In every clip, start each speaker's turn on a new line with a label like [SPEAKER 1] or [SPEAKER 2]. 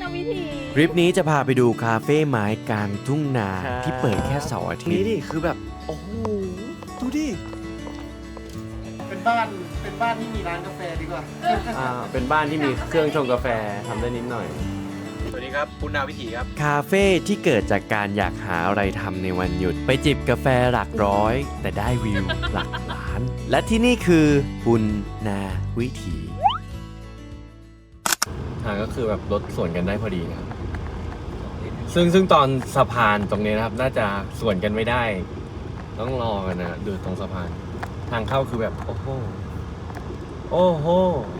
[SPEAKER 1] ณวิถี
[SPEAKER 2] ทริปนี้จะพาไปดูคาเฟ่ไม้กลางทุ่งนาที่เปิดแค่เสาร์อาทิตย์นี่ดิคือแบบโอ้โหดูดิ
[SPEAKER 3] เป็นบ้านที่มีร้านกาแฟดีกว่า
[SPEAKER 2] เป็นบ้านที่มีเครื่องชงกาแฟทำได้นิดหน่อย
[SPEAKER 3] สวัสดีครับปุณณาวิถีครับ
[SPEAKER 2] คาเฟ่ที่เกิดจากการอยากหาอะไรทำในวันหยุดไปจิบกาแฟหลักร้อยแต่ได้วิวหลักล้าน และที่นี่คือปุณณาวิถีทางก็คือแบบรถสวนกันได้พอดีนะครับซึ่งตอนสะพานตรงนี้นะครับน่าจะสวนกันไม่ได้ต้องรอกันนะดูตรงสะพานทางเข้าคือแบบโอ้โหโอ้โห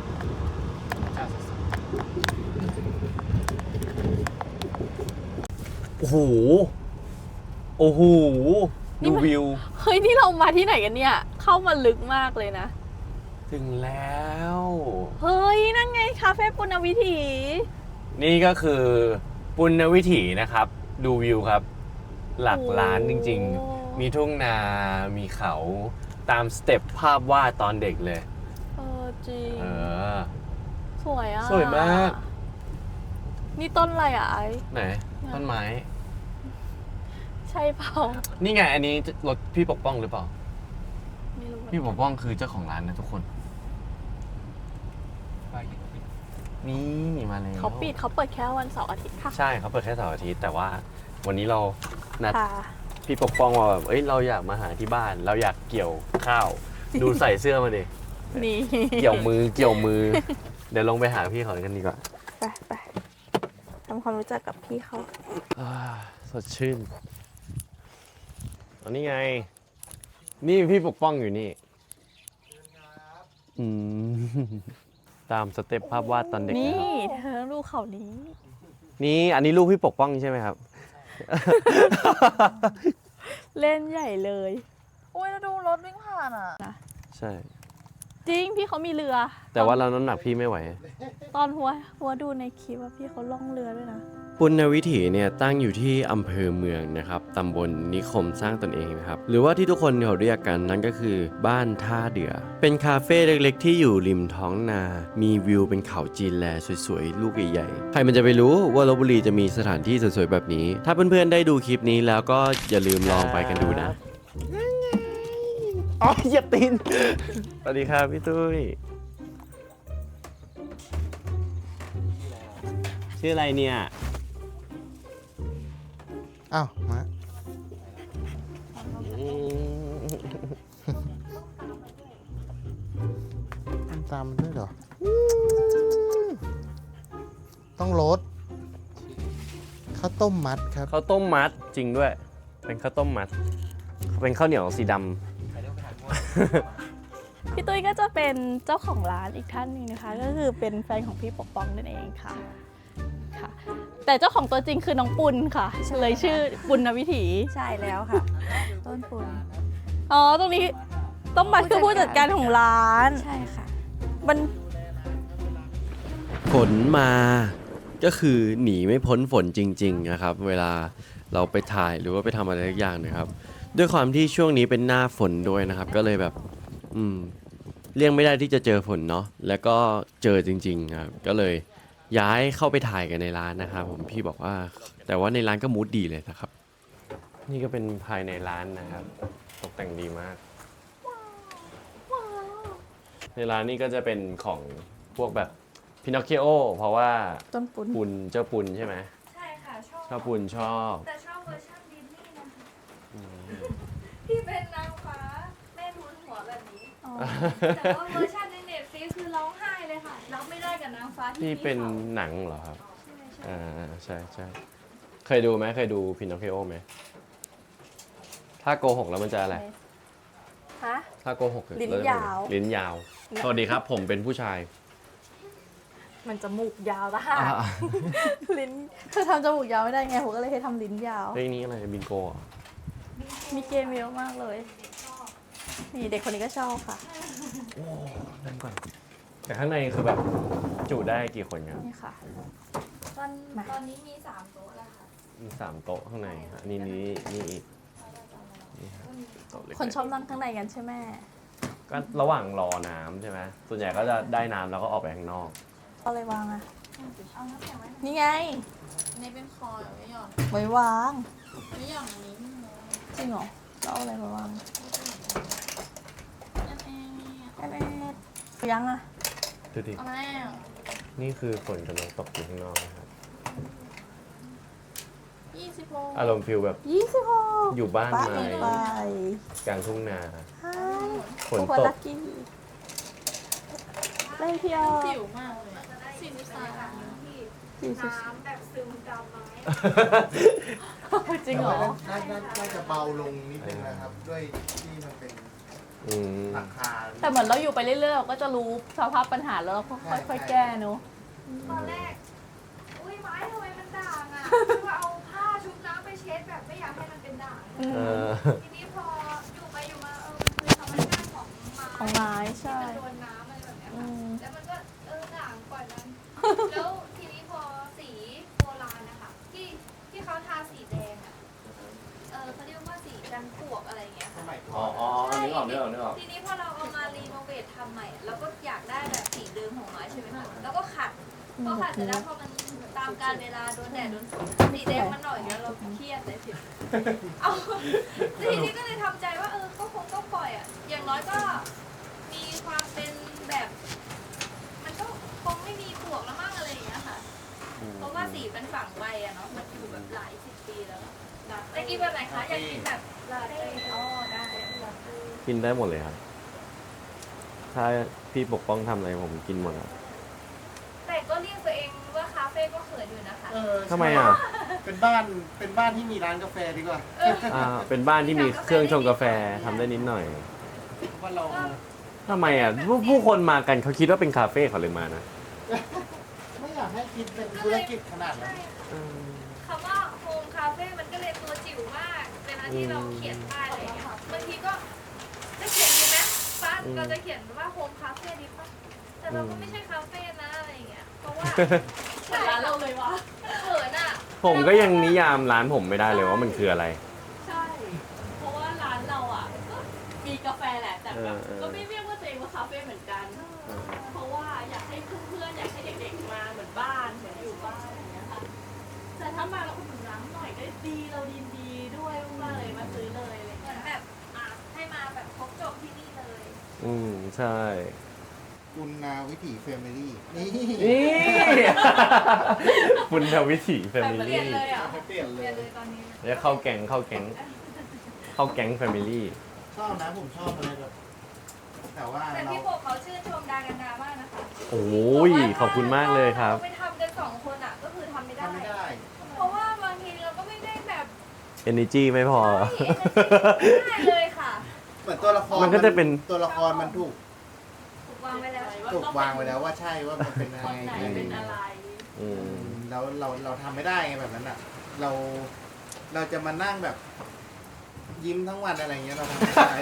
[SPEAKER 2] โอ้โหโอ้โหดูวิว
[SPEAKER 1] เฮ้ยนี่เรามาที่ไหนกันเนี่ยเข้ามาลึกมากเลยนะ
[SPEAKER 2] ถึงแล้ว
[SPEAKER 1] เฮ้ยนั่นไงคาเฟ่ปุณณวิถี
[SPEAKER 2] นี่ก็คือปุณณวิถีนะครับดูวิวครับหลักล้านจริงๆมีทุ่งนามีเขาตามสเต็ปภาพวาดตอนเด็กเลย
[SPEAKER 1] จริงสวยอ่ะ
[SPEAKER 2] สวยมาก
[SPEAKER 1] นี่ต้นอะไรอ่ะไอ้
[SPEAKER 2] ไหนต้นไม้
[SPEAKER 1] ใช่เปล่า
[SPEAKER 2] นี่ไงอันนี้รถพี่ปกป้องหรือเปล่า
[SPEAKER 1] ไม่รู้
[SPEAKER 2] พี่ปกป้องคือเจ้าของร้านนะทุกคนนี่มาเลย
[SPEAKER 1] เขาเปิดแค่วันเสาร์อาทิตย์ค่ะ
[SPEAKER 2] ใช่เขาเปิดแค่เสาร์อาทิตย์แต่ว่าวันนี้เรานัดพี่ปกป้องว่าแบบเราอยากมาหาที่บ้านเราอยากเกี่ยวข้าวดูใส่เสื้อมาดิ
[SPEAKER 1] นี่
[SPEAKER 2] เกี่ยวมือเดี๋ยวลงไปหาพี่เขากันดีกว่า
[SPEAKER 1] ไปทำความรู้จักกับพี่เขา
[SPEAKER 2] สดชื่นอันนี้ไงนี่พี่ปกป้องอยู่นี่ตามสเต็ปภาพวาดตอนเด็ก
[SPEAKER 1] นี่เธอลูกเขานี้
[SPEAKER 2] นี่อันนี้ลูกพี่ปกป้องใช่ไหมครับ
[SPEAKER 1] เล่นใหญ่เลย
[SPEAKER 4] โอ้ยแล้วดูรถวิ่งผ่านอ่ะ
[SPEAKER 2] ใช่
[SPEAKER 1] จริงพี่เขามีเรือ
[SPEAKER 2] แต่ว่าเราน้ำหนักพี่ไม่ไหว
[SPEAKER 1] ตอนหัวดูในคลิปว่าพี่เขาล่องเรือด้วยนะ
[SPEAKER 2] ปุณณวิถีเนี่ยตั้งอยู่ที่อำเภอเมืองนะครับตำบลนิคมสร้างตนเองนะครับหรือว่าที่ทุกคนเขาเรียกกันนั่นก็คือบ้านท่าเดือเป็นคาเฟ่เล็กๆที่อยู่ริมท้องนามีวิวเป็นเขาจีนแลสวยๆลูกใหญ่ๆใครมันจะไปรู้ว่าลพบุรีจะมีสถานที่สวยๆแบบนี้ถ้าเพื่อนๆได้ดูคลิปนี้แล้วก็อย่าลืมลองไปกันดูนะอ๋อเหยียบตีนสวัสดีครับพี่ตุ้ยชื่ออะไรเนี่ย
[SPEAKER 3] อ้าวมาตามมันด้วยเหรอต้องรสข้าวต้มมัดครับ
[SPEAKER 2] ข้าวต้มมัดจริงด้วยเป็นข้าวต้มมัดเป็นข้าวเหนียวสีดำ
[SPEAKER 1] พี่ตุ้ยก็จะเป็นเจ้าของร้านอีกท่านหนึ่งนะคะก็คือเป็นแฟนของพี่ปกป้องนั่นเองค่ะแต่เจ้าของตัวจริงคือน้องปุณค่ะเลยชื่อปุณณวิถี
[SPEAKER 4] ใช่แล้วค่ะต้นปุณ
[SPEAKER 1] ตรงนี้ต้องมาคือผู้จัดการของร้าน
[SPEAKER 4] ใช่ค่ะ
[SPEAKER 1] มัน
[SPEAKER 2] ฝนมาก็คือหนีไม่พ้นฝนจริงๆนะครับเวลาเราไปถ่ายหรือว่าไปทำอะไรสักอย่างนะครับด้วยความที่ช่วงนี้เป็นหน้าฝนด้วยนะครับก็เลยแบบเลี่ยงไม่ได้ที่จะเจอฝนเนาะแล้วก็เจอจริงๆครับก็เลยย้ายเข้าไปถ่ายกันในร้านนะครับผมพี่บอกว่าแต่ว่าในร้านก็มูดดีเลยนะครับนี่ก็เป็นภายในร้านนะครับตกแต่งดีมากในร้านนี่ก็จะเป็นของพวกแบบพินอคคิโอเพราะว่า
[SPEAKER 1] ต้นปุณ
[SPEAKER 2] เจ้าปุณใช่ไหม
[SPEAKER 4] ใช่ค่ะ
[SPEAKER 2] ชอบปุณชอบ
[SPEAKER 4] แต่ชอบเวอร์ชันดิสนีย์นะคะที่เป็นนางฟ้าแม่ทุนหัวแบบนี้แต่ว่าเวอร์ชันในเน็ตฟลิกซ์คือร้องไห้เลยค่ะรับไม่ได้กับนางฟ้าที่
[SPEAKER 2] เป็นหนังเหรอครับใช่เคยดูไหมเคยดูพินอคคิโอไหมถ้าโกหกแล้วมันจะอะไรถ้าโกหก
[SPEAKER 1] ลิ้นย
[SPEAKER 2] าวสวัสดีครับผมเป็นผู้ชาย
[SPEAKER 1] มันจมูกยาวละค่ะลิ้นเธอทำจมูกยาวไม่ได้ไงผมก็เลยให้ทำลิ้นยาว
[SPEAKER 2] เฮ้ยนี่อะไรบิงโก
[SPEAKER 1] มีเกมเยอะมากเลยนี่เด็กคนนี้ก็ชอบค่ะ
[SPEAKER 2] โอ้นั่นก่อนแต่ข้างในคือแบบจุได้กี่คนครับ
[SPEAKER 1] นี่ค่ะ
[SPEAKER 4] ตอนนี้มี3โต๊ะแล้วค่ะ
[SPEAKER 2] มี3โต๊ะข้างในนี่อีก
[SPEAKER 1] คนชอบนั่งข้างในกันใช่ไหม
[SPEAKER 2] ก็ระหว่างรอน้ำใช่ไหมส่วนใหญ่ก็จะได้น้ำแล้วก็ออกไปข้างนอก
[SPEAKER 1] เอาอะไรวางอะนี่ไง
[SPEAKER 4] อันนี้เป็นคอหรือไม่หย่อน
[SPEAKER 1] ไว้วาง
[SPEAKER 4] ไม่หย่อนอันนี้ไม่หย่อน
[SPEAKER 1] จริงเหรอเราเอาอะไรมาวาง
[SPEAKER 4] อันเองเนี่ย
[SPEAKER 1] แอบยังอะ
[SPEAKER 2] ดูดิ
[SPEAKER 4] เอาแล้ว
[SPEAKER 2] นี่คือฝนกำลังตกอยู่ข้างนอกนะครับ
[SPEAKER 4] 26
[SPEAKER 2] อารมณ์ฟิลแบบ
[SPEAKER 1] 26
[SPEAKER 2] อยู่บ้าน
[SPEAKER 1] ไป
[SPEAKER 2] ไม้
[SPEAKER 1] ไป
[SPEAKER 2] กลางทุ่งนา
[SPEAKER 1] ฮะ
[SPEAKER 2] ฝน
[SPEAKER 1] ทุกคน
[SPEAKER 2] ต
[SPEAKER 1] ลั
[SPEAKER 2] ก
[SPEAKER 1] กกี้เล่นพี่ออ
[SPEAKER 4] ผิวมากเลย43
[SPEAKER 1] น้ำแบบซึมดำไหมจริงเหรอ
[SPEAKER 3] น่าจะเบาลงนิดนึงนะครับ ด้วยที่มันเป็น
[SPEAKER 2] อืม
[SPEAKER 3] หลังคา
[SPEAKER 1] แต่เหมือนเราอยู่ไปเรื่อยๆเราก็จะรู้สภาพปัญหาแล้วเราก็ค่อยๆแก้เนอะ
[SPEAKER 4] ตอนแรก อุ้ยไม้ทำไมมันด่างอ่ะคือว่าเอาผ้าชุบน้ำไปเช็ดแบบไม่อยากให้มันเป็นด่าง
[SPEAKER 1] อืม
[SPEAKER 2] เออ
[SPEAKER 4] ทีนี้พออยู่ไปอยู่มามันคือธรรมชาติของไม้
[SPEAKER 1] ของไม้ใช่
[SPEAKER 4] ที่มันโดนน้ำอะไรแบบเนี้ย
[SPEAKER 1] อื
[SPEAKER 4] ค่ะ
[SPEAKER 1] ม
[SPEAKER 4] แล้วมันก็ด่างปล่อยมัน แล้วทีนี้พอสีโบราณนะคะที่เขาทาสีแดงอ่ะเขาเรียกว่าสีกันปลวกอะไรอย่างเงี้ย
[SPEAKER 3] ส
[SPEAKER 4] ค่ะ
[SPEAKER 3] มัยก่
[SPEAKER 2] อ๋
[SPEAKER 3] อ
[SPEAKER 2] อน อ๋อนึกออกนึกออกนึกออก
[SPEAKER 4] ทีนี้พอเราเอามารีโนเวททำใหม่อะเราก็อยากได้แบบสีเดิมของไม้ใช่ไหมคะแล้วก็ขัดพอขัดเสร็จแล้วพอมันตามการเวลาโดนแดดโดนฝนสีแดงมันหน่อยแล้วเราเครียดเลยสิเอาทีนี้ก็เลยทำใจว่าก็คงต้องปล่อยอ่ะอย่างน้อยก็มีความเป็นแบบ มันก็คงไม่มีปลวกแล้วมั้งอะไรอย่างเงี้ยค่ะ เพราะว่าสีมันฝังไว้อะเนาะ มันอยู่แบบหลายสิบปีแล้วแต่กินแบบไหนคะ อยากกินแบบลาเต้อ๋อได้ลาเต้
[SPEAKER 2] กินได้หมดเลยครับ ถ้าพี่ปกป้องทำอะไรผมกินหมดครับ
[SPEAKER 4] แต่ก็เรียกตัวเองว่าคาเฟ่ก็เขินอยู่นะคะ
[SPEAKER 2] ทำไมอ่ะ
[SPEAKER 3] เป็นบ้านที่มีร้านกาแฟดีกว่า
[SPEAKER 2] เป็นบ้านที่มีเครื่องชงกาแฟทำได้นิดหน่อย
[SPEAKER 3] ว่าเรา
[SPEAKER 2] ทำไมอ่ะผู้คนมากันเขาคิดว่าเป็นคาเฟ่เขาเลยมานะ
[SPEAKER 3] ไม่อยากให้คิดเป็นธุรกิจขนาดนั้น
[SPEAKER 4] ใช่คำว่าโฮมคาเฟ่มันก็เลยตัวจิ๋วมากเวลาที่เราเขียนป้ายอะไรอย่างเงี้ยบางทีก็จะเขียนดีไหมป้าเราจะเขียนว่าโฮมคาเฟ่ดีป่ะแต่เราก็ไม่ใช่คาเฟ่นะอะไรอย่างเงี้ย เพราะว่าเหมือนร้านเราเลยวะเขินอ่ะ
[SPEAKER 2] ผมก็ยังนิยามร้านผมไม่ได้เลยว่ามันคืออะไร
[SPEAKER 1] ใช่ เพราะว่าร้านเราอ่ะก็มีกาแฟแหละแต่แบบ
[SPEAKER 2] เออ
[SPEAKER 1] ก็ไม่เรียกว่าตัวเองว่าคาเฟ่เหมือนกัน เพราะว่าอยากให้เพื่อนๆอยากให้เด็กๆมาเหมือนบ้านเหมือนอยู่บ้านอย่างเงี้ยค่ะแต่ถ้ามาเราอุดหนุนร้านหน่อยก็ดีเราดีด้วยมากๆเลยมาซื้อเลยอะไร
[SPEAKER 4] เหมื
[SPEAKER 1] เงี้
[SPEAKER 4] อน
[SPEAKER 1] ย
[SPEAKER 4] แบบให้มาแบบครบจบที่นี่เลย
[SPEAKER 2] ใช่
[SPEAKER 3] คุณนาวิถีแฟมิลี่ นี่
[SPEAKER 2] นี่ คุณทวิถีแฟมิ
[SPEAKER 4] เปลี่
[SPEAKER 2] ลี่
[SPEAKER 4] ยนเลยอ่ะ
[SPEAKER 3] เปลี่ยน
[SPEAKER 4] เป
[SPEAKER 3] เล
[SPEAKER 4] ลี่ย
[SPEAKER 3] ย
[SPEAKER 4] นเลยตอนนี้
[SPEAKER 2] แล้วเข้าแก๊งแฟมิลี่
[SPEAKER 3] ชอบนะผมชอบอะไรแบบ แต่ว่า
[SPEAKER 4] แต่
[SPEAKER 3] เรา
[SPEAKER 4] พี่โปกเขาชื่นชมดากันดามากนะคะ
[SPEAKER 2] โอ้ยขอบคุณมากเลยครับ
[SPEAKER 4] ไปทำกัน2 คนอ่ะก็คือทำไม่ได้
[SPEAKER 3] ทำไม่ได้
[SPEAKER 4] เพราะว่าบางทีเราก็ไม่ได้แบบ
[SPEAKER 2] energy ไม่พอ
[SPEAKER 4] ไม่ได้เลยค่ะ
[SPEAKER 3] เหมือนตัวละคร
[SPEAKER 2] มันก็จะเป็น
[SPEAKER 3] ตัวละครมันถูก
[SPEAKER 4] ถูกวางไว้แล้ว
[SPEAKER 3] ถูกวางไว้แล้วว่าใช่ว่ามันเป็นยัง
[SPEAKER 1] คน
[SPEAKER 3] ไง
[SPEAKER 1] ไหนเป็นอะไร
[SPEAKER 2] อืม
[SPEAKER 3] แล้วเราทำไม่ได้ไงแบบนั้นอ่ะ เราจะมานั่งแบบ ยิ้มทั้งวันอะไรเงี้ยเราทำไม่ได้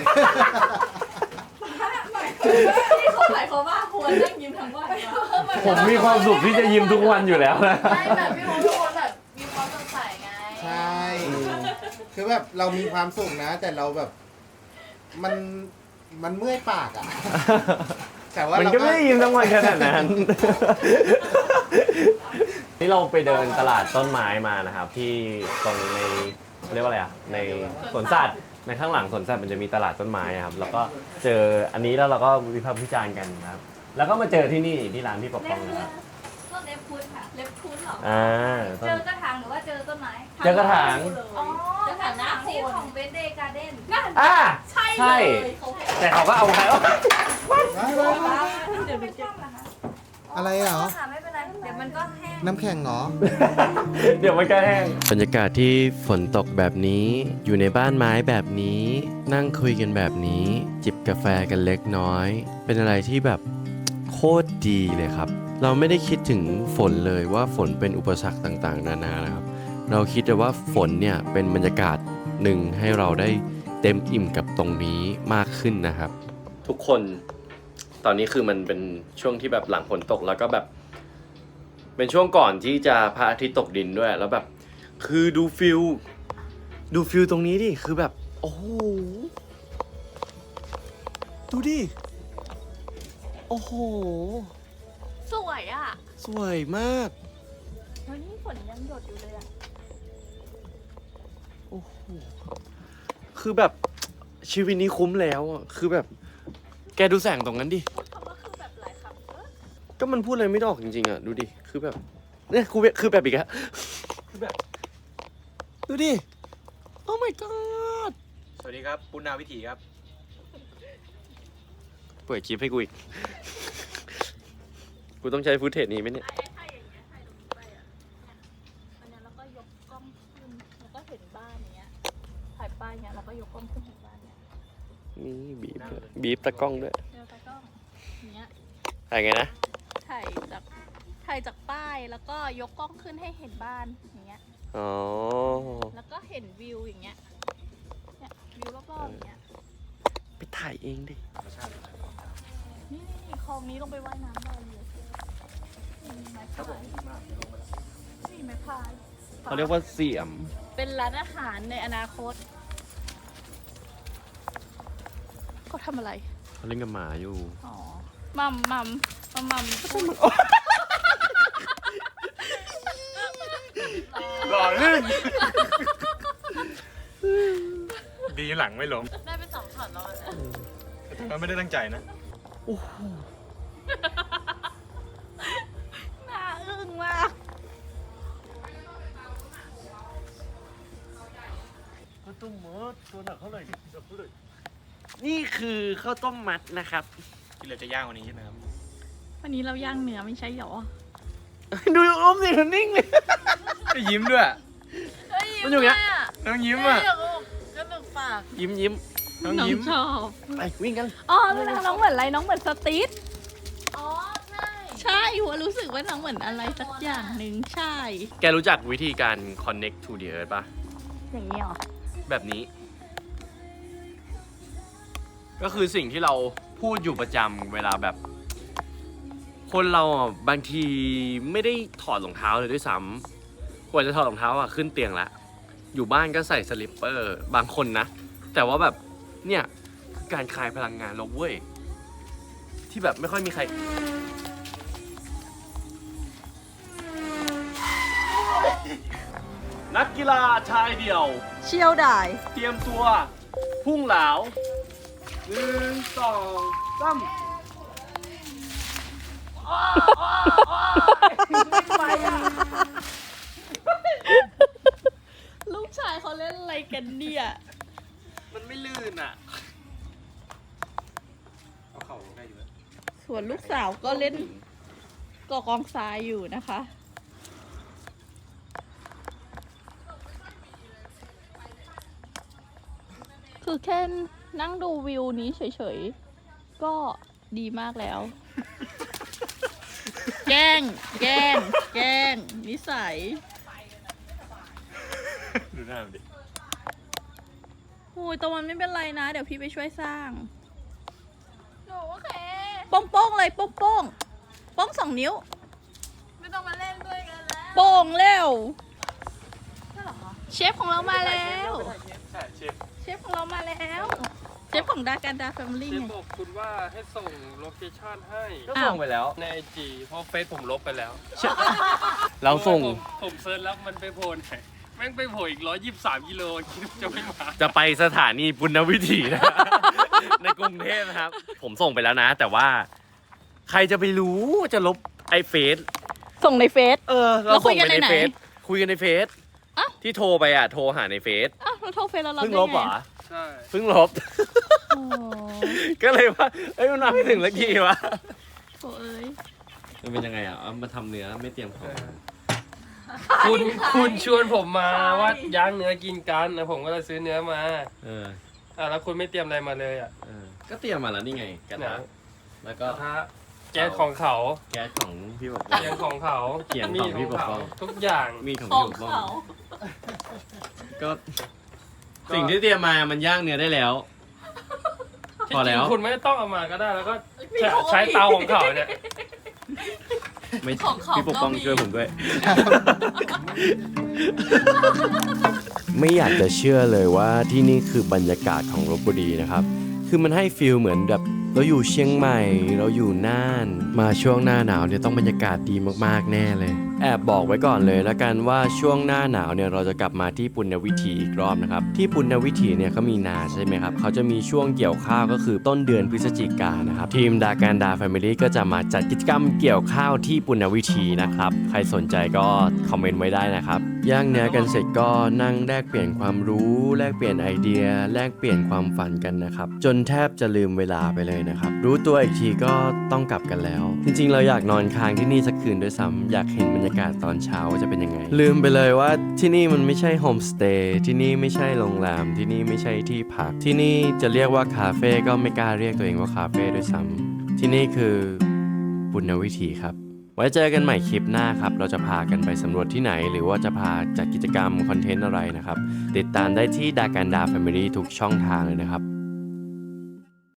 [SPEAKER 1] ที่เขาหมายความว่าควรนั่งยิ้มทั้งวันวะ
[SPEAKER 2] ผมมีความสุขที่จะยิ้มทุกวันอยู่แล้วนะ
[SPEAKER 4] ไม่แบบพี่โมทุกคนแบบมีความสดใสไง
[SPEAKER 3] ใช่ คือแบบเรามีความสุขนะ แต่เราแบบ มันเมื่อยปากอ่ะ แต่ว่า
[SPEAKER 2] มัน
[SPEAKER 3] เรา
[SPEAKER 2] ก็ไม่ได้ยิ้มทั้งวันขนาดนั้น นี่เราไปเดินตลาดต้นไม้มานะครับ ที่ตรงในเรียกว่าอะไรอ่ะ ในสวนสัตว์ในข้างหลังสวนสัตว์มันจะมีตลาดต้นไม้อะครับ แล้วก็เจออันนี้แล้วเราก็วิพากษ์วิจารณ์กันนะครับ แล้วก็มาเจอที่นี่ที่ร้านพี่ปก
[SPEAKER 4] เล็
[SPEAKER 2] ป้อบ ง
[SPEAKER 4] พุ้
[SPEAKER 2] นะ
[SPEAKER 4] น
[SPEAKER 2] ครับ
[SPEAKER 4] ต้นเล็บพุ้นค่ะ
[SPEAKER 1] เล็บคุ้นเหรอ
[SPEAKER 2] ต้น
[SPEAKER 4] เจอกระถางหรือว่าเจอต้นไม้
[SPEAKER 2] เจอกระถาง
[SPEAKER 4] อ๋อกระถางที่ของเบนเดย์การ์เด้น
[SPEAKER 1] ใช่
[SPEAKER 2] ใช่
[SPEAKER 1] เลยเขา
[SPEAKER 2] แต่เขาก็เอาใคร
[SPEAKER 1] เดี๋ยวไปเก็บ
[SPEAKER 3] อะไรอ่ะ
[SPEAKER 4] ค่ะไม่เป็นไร เดี๋ยวมันก็แห้ง
[SPEAKER 3] น้ำแข็งเหรอ
[SPEAKER 2] เดี๋ยวมันก็แห้งบรรยากาศที่ฝนตกแบบนี้อยู่ในบ้านไม้แบบนี้ นั่งคุยกันแบบนี้ จิบกาแฟกันเล็กน้อย เป็นอะไรที่แบบโคตรดีเลยครับ เราไม่ได้คิดถึงฝนเลยว่าฝนเป็นอุปสรรคต่างๆนานานะครับ เราคิดแต่ว่าฝนเนี่ยเป็นบรรยากาศหนึ่งให้เราได้เต็มอิ่มกับตรงนี้มากขึ้นนะครับ ทุกคนตอนนี้คือมันเป็นช่วงที่แบบหลังฝนตกแล้วก็แบบ เป็นช่วงก่อนที่จะพระอาทิตย์ตกดินด้วยแล้วแบบ คือดูฟิลตรงนี้ดิคือแบบ โอ้โหดูดิโอ้โห
[SPEAKER 1] สวยอ่ะ
[SPEAKER 2] สวยมาก
[SPEAKER 1] มแล้วนี่ฝนยังหยดอยู่เลยอ่ะ
[SPEAKER 2] โอ้โหคือแบบชีวิตนี้คุ้มแล้วอ่ะคือแบบแกดูแสงตรงนั้นดิ
[SPEAKER 1] คำว่าคือแบบหลายคำเออ
[SPEAKER 2] ก็มันพูดอะไรไม่ออกจริงๆอ่ะดูดิคือแบบเนี่ยคือแบบอีกอะคือแบบดูดิโอ้ my god
[SPEAKER 5] สวัสดีครับปุณนาวิถีครับ
[SPEAKER 2] เปิดคลิปให้กูอีก กูต้องใช้ฟุตเทจนี้ไหมเนี่ย
[SPEAKER 1] ถ้าอย่างเงี้ยถ่ายตรงนี้ไปอ่ะเนี่ยอันเนี้ยแล้วก็ยกกล้องขึ้นแล้วก็เห็นบ้านเนี้ยถ่ายป้ายเนี้ยแล้วก็ยกกล้องขึ้นเห็นบ้านเนี้ย
[SPEAKER 2] นี่บีบตะกล้องด้วย
[SPEAKER 1] เดี๋ยวตากล้องเนี้ย
[SPEAKER 2] ถ่ายไงนะ
[SPEAKER 1] ถ่ายจากป้ายแล้วก็ยกกล้องขึ้นให้เห็นบ้านอย่างเงี้ย
[SPEAKER 2] อ๋อ
[SPEAKER 1] แล้วก็เห็นวิวอย่างเงี้ยเนี่ยวิวรอบๆอย่างเงี้ย
[SPEAKER 2] ไปถ่ายเองดิ
[SPEAKER 1] นี่คลองนี้ลงไปว่ายน้ำได้เลยนี่ไม้พายนี่ไม้พาย
[SPEAKER 2] เขาเรียกว่าเสียม
[SPEAKER 1] เป็นร้านอาหารในอนาคตเขาทำอะไร
[SPEAKER 2] เขาเล่นกับหมาอยู่
[SPEAKER 1] อ๋อมัมพูด
[SPEAKER 5] หล่อลื่น ดีหลังไม่ล้ม
[SPEAKER 1] ได้ไป2 ช็อตแล้วนะ
[SPEAKER 5] แต่มันไม่ได้ตั้งใจนะ
[SPEAKER 1] น่าอึ้งมาก
[SPEAKER 2] ข้าวต้มมัดตัวหนักเท่าไหร่นี่คือข้าวต้มมัดนะครับ
[SPEAKER 5] ที่เราจะย่างวันนี้ใช่ไหมครับ
[SPEAKER 1] วันนี้เราย่างเนื้อไม่ใช่หรอ
[SPEAKER 2] ดูอมสิมันนิ่งเลย
[SPEAKER 5] ก็ยิ้มด้วย
[SPEAKER 2] มันอยู่อย่างเงี้ย
[SPEAKER 5] น้องยิ้มอ่ะ
[SPEAKER 1] กระดูกปาก
[SPEAKER 2] ยิ้ม
[SPEAKER 5] น้อง
[SPEAKER 1] น้อง
[SPEAKER 5] ยิ้ม
[SPEAKER 1] ชอบ
[SPEAKER 2] ไปวิ่งกัน
[SPEAKER 1] อ๋อน้องเหมือนอะไรน้องเหมือนสตีทอ๋อใช่หัวรู้สึกว่าน้องเหมือนอะไรสักอย่างหนึ่งใช่
[SPEAKER 2] แกรู้จักวิธีการ connect to the earth ป่ะ
[SPEAKER 1] อย่างนี้หรอ
[SPEAKER 2] แบบนี้ ก็คือสิ่งที่เราพูดอยู่ประจำเวลาแบบ คนเราอ่ะบางทีไม่ได้ถอดรองเท้าเลยด้วยซ้ำกว่าจะถอดรองเท้าอ่ะขึ้นเตียงละอยู่บ้านก็ใส่สลิปเปอร์บางคนนะ แต่ว่าแบบเนี่ยคือการคลายพลังงานเราเว้ย ที่แบบไม่ค่อยมีใคร นักกีฬาชายเดี่ยว
[SPEAKER 1] เชี่ยวได้
[SPEAKER 2] เตรียมตัว พุ่งเหลา1 2 3ไปอ่ะ
[SPEAKER 1] ลูกชายเขาเล่นอะไรกันเนี่ย
[SPEAKER 2] มันไม่ลื่นอ่ะ
[SPEAKER 5] เอาเข่าลงได้อยู่แล้ว
[SPEAKER 1] ส่วนลูกสาวก็เล่นก่อกองทรายอยู่นะคะ คือแค่นั่งดูวิวนี้เฉยๆ ก็ดีมากแล้ว แกล้งนิสัย
[SPEAKER 5] ดูหน้ามันดิ
[SPEAKER 1] โอ้ยตะวันไม่เป็นไรนะ เดี๋ยวพี่ไปช่วยสร้าง
[SPEAKER 4] หนูโอเค
[SPEAKER 1] โป้งๆเลยโป้ง2 นิ้ว
[SPEAKER 4] ไม่ต้องมาเล่นด้วยกันแล้ว
[SPEAKER 1] โป่งเร็ว
[SPEAKER 4] ใช่เหรอคะ
[SPEAKER 1] เชฟของเรามาแล้ว
[SPEAKER 5] ใช่เชฟ
[SPEAKER 1] เชฟของเรามาแล้ว เชฟของดาการดาแฟมิลี่
[SPEAKER 6] เชฟ
[SPEAKER 1] ไง
[SPEAKER 6] บอกคุณว่าให้ส่งโลเคชั่นให้
[SPEAKER 2] ก็ส่งไปแล้ว
[SPEAKER 6] ในไอจีเพราะเฟซผมลบไปแล้ว
[SPEAKER 2] เราส่ง
[SPEAKER 6] ผมเซิร์ชแล้วมันไปโผล่ไหนแม่งไปโผล่อีก123กิโลคิดว่าจะไม่มา
[SPEAKER 2] จะไปสถานีปุณณวิถีนะ ในกรุงเทพนะครับ ผมส่งไปแล้วนะ แต่ว่า ใครจะไปรู้จะลบไอเฟซ
[SPEAKER 1] ส่งในเฟซ
[SPEAKER 2] เราส่งไปใน
[SPEAKER 1] แล้วคุยกันในไหน
[SPEAKER 2] เฟซคุยกันในเฟซ
[SPEAKER 1] อ้าว
[SPEAKER 2] ที่โทรไปอ่ะ โทรหาในเฟซ
[SPEAKER 1] อ้าวเราโทรเฟซแล้วเรา
[SPEAKER 2] เพิ่ง
[SPEAKER 1] ได้
[SPEAKER 2] ลบเหรอ
[SPEAKER 1] ไง
[SPEAKER 6] ใช่
[SPEAKER 2] เพิ่งลบ
[SPEAKER 1] โอ้
[SPEAKER 2] ก็เลยว่าเอ้ยมันมาไม่ถึงสักทีวะ
[SPEAKER 1] โหเอ้ย
[SPEAKER 2] มันเป็นยังไงอ่ะเอามาทำเนื้อไม่เตรียมของ
[SPEAKER 6] คุณชวนผมมาว่าย่างเนื้อกินกันนะผมก็เลยซื้อเนื้อมา
[SPEAKER 2] เออ
[SPEAKER 6] แล้วคุณไม่เตรียมอะไรมาเลยอ่ะ
[SPEAKER 2] เออ ก็เตรียมมาแล้วนี่ไงกระทะแล้ว
[SPEAKER 6] ก
[SPEAKER 2] ก็
[SPEAKER 6] ระทะแก๊สของเขา
[SPEAKER 2] แก๊สของพี่บอก
[SPEAKER 6] เตียงของเขา
[SPEAKER 2] เขียง
[SPEAKER 6] มี
[SPEAKER 2] ของพี่ปกป้อง
[SPEAKER 6] ทุกอย่าง
[SPEAKER 2] มีของ
[SPEAKER 1] ขอ
[SPEAKER 2] พี่
[SPEAKER 1] ง
[SPEAKER 2] ปกป้อง
[SPEAKER 1] เขา
[SPEAKER 2] ก็สิ่งที่เตรียมมามันย่างเนื้อได้แล้ว พอแล้ว
[SPEAKER 6] จริงๆคุณไม่ต้องเอามาก็ได้แล้วก็ใช้เตาของเขาเนี่ย
[SPEAKER 2] ไม่
[SPEAKER 1] ของเขา
[SPEAKER 2] พี่ปกป้อง
[SPEAKER 1] ก็มี
[SPEAKER 2] ช่วยผมด้วย ไม่อยากจะเชื่อเลยว่าที่นี่คือบรรยากาศของลพบุรีนะครับ คือมันให้ฟีลเหมือนแบบเราอยู่เชียงใหม่เราอยู่น่าน มาช่วงหน้าหนาวเนี่ยต้องบรรยากาศดีมากๆแน่เลยแอบบอกไว้ก่อนเลยแล้วกันว่าช่วงหน้าหนาวเนี่ยเราจะกลับมาที่ปุณณวิถีอีกรอบนะครับที่ปุณณวิถีเนี่ยเขามีนาใช่ไหมครับเขาจะมีช่วงเกี่ยวข้าวก็คือต้นเดือนพฤศจิกายนนะครับทีมดาการดาแฟมิลี่ก็จะมาจัดกิจกรรมเกี่ยวข้าวที่ปุณณวิถีนะครับใครสนใจก็คอมเมนต์ไว้ได้นะครับย่างเนื้อกันเสร็จก็นั่งแลกเปลี่ยนความรู้แลกเปลี่ยนไอเดียแลกเปลี่ยนความฝันกันนะครับจนแทบจะลืมเวลาไปเลยนะครับรู้ตัวอีกทีก็ต้องกลับกันแล้วจริงๆเราอยากนอนค้างที่นี่สักคืนด้วยซ้ำอยากเห็นบรรยากาศตอนเช้าว่าจะเป็นยังไงลืมไปเลยว่าที่นี่มันไม่ใช่โฮมสเตย์ที่นี่ไม่ใช่โรงแรมที่นี่ไม่ใช่ที่พักที่นี่จะเรียกว่าคาเฟ่ก็ไม่กล้าเรียกตัวเองว่าคาเฟ่ด้วยซ้ำที่นี่คือปุณณวิถีครับไว้เจอกันใหม่คลิปหน้าครับเราจะพากันไปสำรวจที่ไหนหรือว่าจะพาจัดกิจกรรมคอนเทนต์อะไรนะครับติดตามได้ที่ดาการดาแฟมิลี่ทุกช่องทางเลยนะครับ